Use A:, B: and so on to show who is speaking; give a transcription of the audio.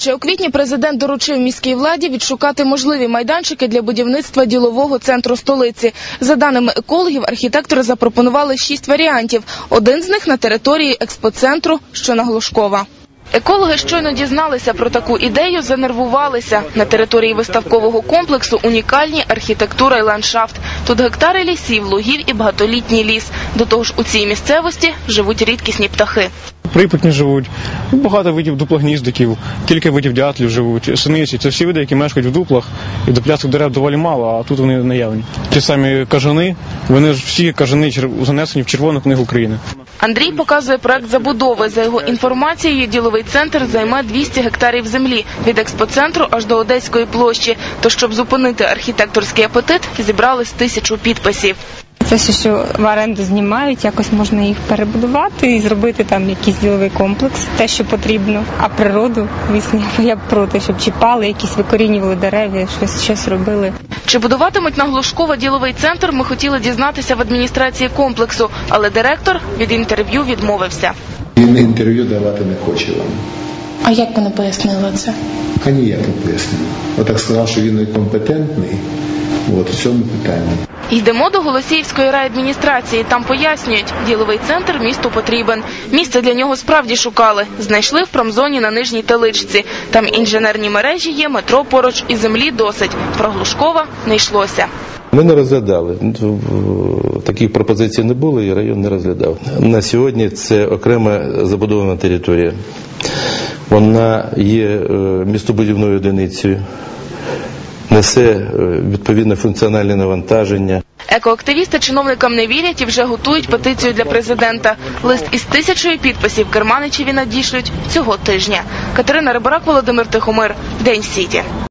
A: Ще у квітні президент доручив міській владі відшукати можливі майданчики для будівництва ділового центру столиці. За даними екологів, архітектори запропонували 6 варіантів. Один з них на території експоцентру, що на Глушкова. Екологи щойно дізналися про таку ідею, занервувалися. На території виставкового комплексу унікальні архітектура і ландшафт. Тут гектари лісів, лугів і багатолітній ліс. До того ж, у цій місцевості живуть рідкісні птахи.
B: Припутні живуть, багато видів дуплогніздиків, кілька видів дятлів живуть, синиці. Це всі види, які мешкають в дуплах, і дуплястих дерев доволі мало, а тут вони наявні. Ті самі кажани, вони ж всі кажани занесені в Червону книгу України.
A: Андрій показує проект забудови. За його інформацією, діловий центр займе 200 гектарів землі від експоцентру аж до Одеської площі. То, щоб зупинити архітекторський апетит, зібрали 1000 підписів.
C: Це що в оренду знімають, якось можна їх перебудувати і зробити там якийсь діловий комплекс, те, що потрібно. А природу, звісно, я б проти, щоб чіпали, якісь викорінювали дерева, щось робили.
A: Чи будуватимуть на Глушкова діловий центр, ми хотіли дізнатися в адміністрації комплексу, але директор від інтерв'ю відмовився.
D: Він інтерв'ю давати не хоче вам.
A: А як вони пояснили це?
D: А ніяк не пояснив. Отак сказав, що він некомпетентний в цьому питанні.
A: Йдемо до Голосіївської райадміністрації. Там пояснюють, діловий центр місту потрібен. Місце для нього справді шукали. Знайшли в промзоні на Нижній Теличці. Там інженерні мережі є, метро поруч і землі досить. Про Глушкова не йшлося.
E: Ми не розглядали. Таких пропозицій не було і район не розглядав. На сьогодні це окрема забудована територія. Вона є містобудівною одиницею, несе відповідне функціональне навантаження.
A: Екоактивісти чиновникам не вірять і вже готують петицію для президента. Лист із 1000 підписів Керманичеві надішлють цього тижня. Катерина Рибарак, Володимир Тихомир. День Сіті.